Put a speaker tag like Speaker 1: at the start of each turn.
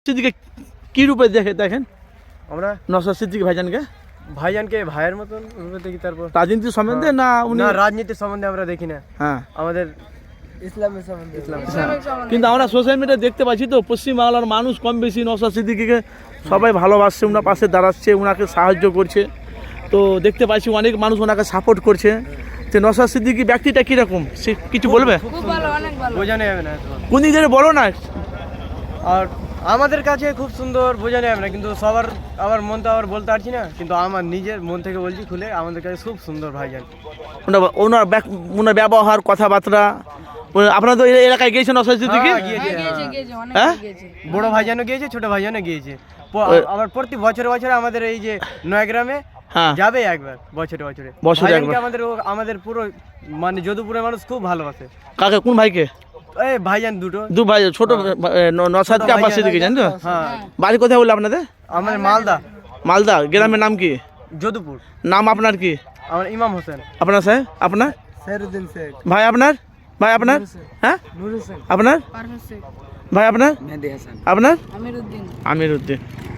Speaker 1: সিদ্দিকে কি রূপে দেখেন
Speaker 2: আমরা
Speaker 1: নওশাদ সিদ্দিকী
Speaker 2: ভাইজানকে ভাইয়ের মতন রূপে দেখি। তারপর
Speaker 1: রাজনীতি সম্বন্ধে না উনি
Speaker 2: রাজনীতির সম্বন্ধে আমরা দেখি না,
Speaker 1: হ্যাঁ
Speaker 2: আমাদের ইসলামের সম্বন্ধে।
Speaker 1: কিন্তু আমরা সোশ্যাল মিডিয়া দেখতে পাচ্ছি তো পশ্চিমবাংলার মানুষ কম বেশি নওশাদ সিদ্দিকীকে সবাই ভালোবাসছে, ওনার পাশে দাঁড়াচ্ছে, ওনাকে সাহায্য করছে। তো দেখতে পাচ্ছি অনেক মানুষ ওনাকে সাপোর্ট করছে। তো নওশাদ সিদ্দিকী ব্যক্তিটা কীরকম সে কিছু বলবে?
Speaker 2: বোঝানো যাবে না,
Speaker 1: কোন দিক থেকে বলো না।
Speaker 2: আর আমাদের কাছে খুব সুন্দর, বোঝানো যাবে না, কিন্তু সবার আবার মন তো আবার বলতে পারছি না, কিন্তু আমার নিজের মন থেকে বলছি খুলে, আমাদের কাছে খুব সুন্দর ভাইজান।
Speaker 1: ওনার ব্যবহার, কথাবার্তা। আপনারা তো এলাকায় গিয়েছেন নওশাদ সিদ্দিকী? হ্যাঁ,
Speaker 2: বড় ভাইজানও গিয়েছে, ছোট ভাইজানও গিয়েছে। আবার প্রতি বছরে বছরে আমাদের এই যে নয়াগ্রামে যাবে একবার, বছরে বছরে আমাদের পুরো মানে যদুপুরের মানুষ খুব ভালোবাসে।
Speaker 1: কাকে, কোন ভাইকে?
Speaker 2: এই ভাইজান দু ভাই,
Speaker 1: ছোট নওশাদকে আব্বাস সিদ্দিকী, জানেন তো?
Speaker 2: হ্যাঁ।
Speaker 1: বাড়ি কোথায় বললো আপনাদের?
Speaker 2: আমাদের মালদা।
Speaker 1: গ্রামের নাম কি?
Speaker 2: যদুপুর।
Speaker 1: নাম আপনার কি?
Speaker 2: আমার ইমাম হোসেন।
Speaker 1: আপনার সাহেব? আপনার
Speaker 2: সেরুদ্দিন শেখ।
Speaker 1: ভাই আপনার? হ্যাঁ, আপনার ভাই? আপনার?
Speaker 2: মেহেদি হাসান।
Speaker 1: আপনার?
Speaker 2: আমিরউদ্দিন।
Speaker 1: আমিরউদ্দিন।